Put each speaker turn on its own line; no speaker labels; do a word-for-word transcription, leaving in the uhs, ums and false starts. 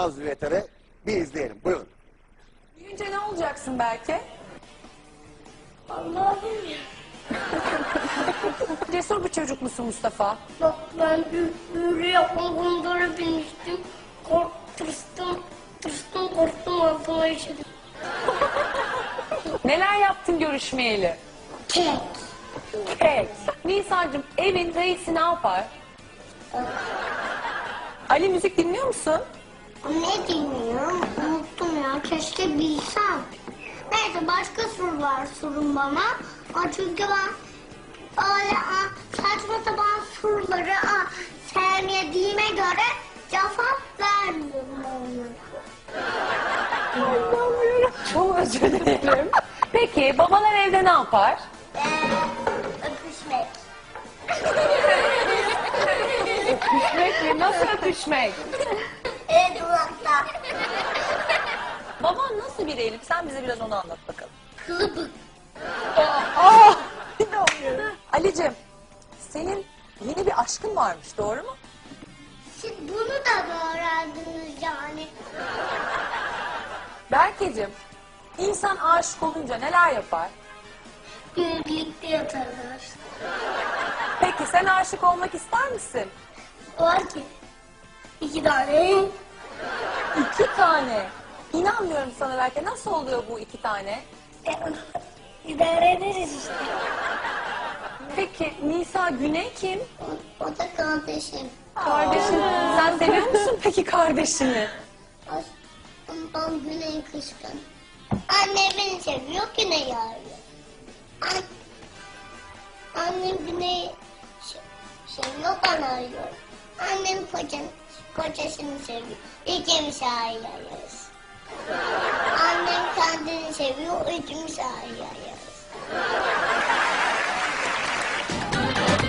Nazlı Yeter'e bir izleyelim. Buyurun.
Büyüyünce ne olacaksın belki?
Allah'ım ya.
Cesur bir çocuk musun Mustafa?
Bak ben büyülü yapma bunlara binmiştim. Kork, tırstım, tırstım, korktum, altıma işedim.
Neler yaptın görüşmeyeli?
Kek.
Kek. Nisan'cığım evin reisi ne yapar? Ali müzik dinliyor musun?
Ne dinliyorum? Unuttum ya. Keşke bilsem. Neyse başka soru var sorun bana. Aa, çünkü ben öyle aa, saçma sapan soruları aa, sevmediğime göre cevap vermiyorum onlara.
Çok özür dilerim. Peki babalar evde ne yapar?
Ee, öpüşmek.
Öpüşmek mi? Nasıl öpüşmek?
Evet durakta.
Baban nasıl bir Elif? Sen bize biraz onu anlat bakalım.
Kılıbık.
Aa! İnanmıyorum. Ali'cim senin yeni bir aşkın varmış doğru mu?
Siz bunu da mı öğrendiniz yani?
Berkeciğim insan aşık olunca neler yapar?
Birlikte yatarlar.
Peki sen aşık olmak ister misin?
Var ki iki tane.
İki tane. İnanmıyorum sana Berke. Nasıl oluyor bu iki tane?
E, İdare ederiz işte.
Peki Nisa Güney kim?
O, o da kardeşim.
Kardeşin. Sen seviyor musun peki kardeşini?
Ondan Güney kışkın. Anne beni seviyor, Güney arıyor. An Annem Güney seviyor, ben arıyorum. Annem kocan, kocasını seviyor. İkimiz arıyoruz. Annem kendini seviyor, ikimiz arıyoruz.